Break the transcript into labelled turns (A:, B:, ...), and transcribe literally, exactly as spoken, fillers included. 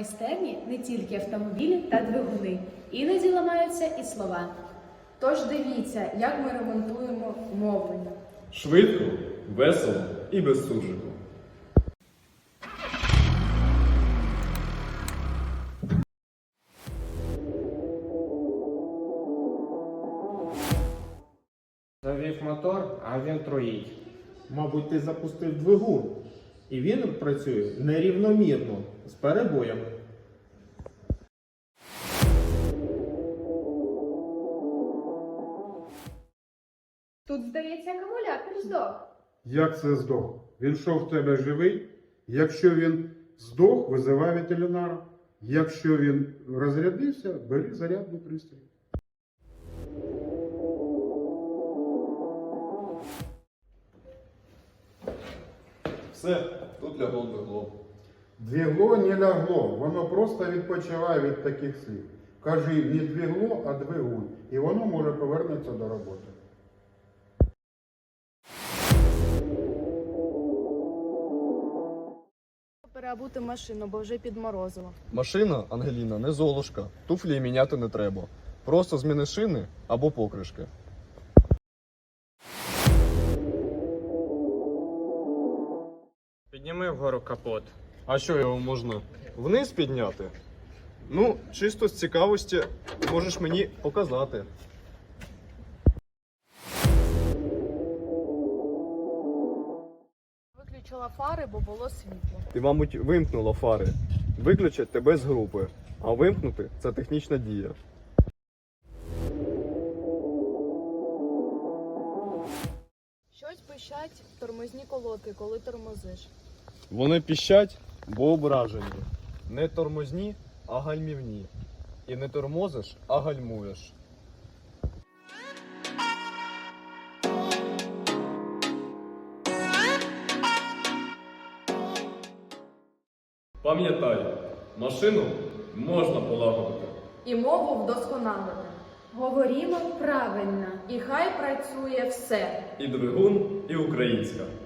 A: майстерні не тільки автомобілі та двигуни, іноді ламаються і слова.
B: Тож дивіться, як ми ремонтуємо мовлення.
C: Швидко, весело і без суржику.
D: Завів мотор, а він троїть.
E: Мабуть, ти запустив двигун, і він працює нерівномірно, з перебоями.
B: Тут, здається, акумулятор здох.
F: Як це здох? Він що в тебе живий? Якщо він здох, визивай ветеринара. Якщо він розрядився, бери зарядний пристрій.
C: Все, тут лягло двигло.
F: Двігло не лягло, воно просто відпочиває від таких слів. Кажи не двігло, а двигун. І воно може повернутися до роботи.
B: Переобути машину, бо вже підморозило.
G: Машина, Ангеліна, не золушка. Туфлі міняти не треба. Просто зміни шини або покришки.
D: Підніми вгору капот.
G: А що його можна вниз підняти? Ну, чисто з цікавості можеш мені показати.
B: Виключила фари, бо було світло.
G: Ти, мабуть, вимкнула фари. Виключать тебе з групи. А вимкнути – це технічна дія.
B: Щось пищать тормозні колодки, коли тормозиш.
G: Вони піщать, бо ображені. Не тормозні, а гальмівні. І не тормозиш, а гальмуєш.
C: Пам'ятай, машину можна полагодити.
B: І мову вдосконалити.
A: Говорімо правильно.
B: І хай працює все.
C: І двигун, і українська.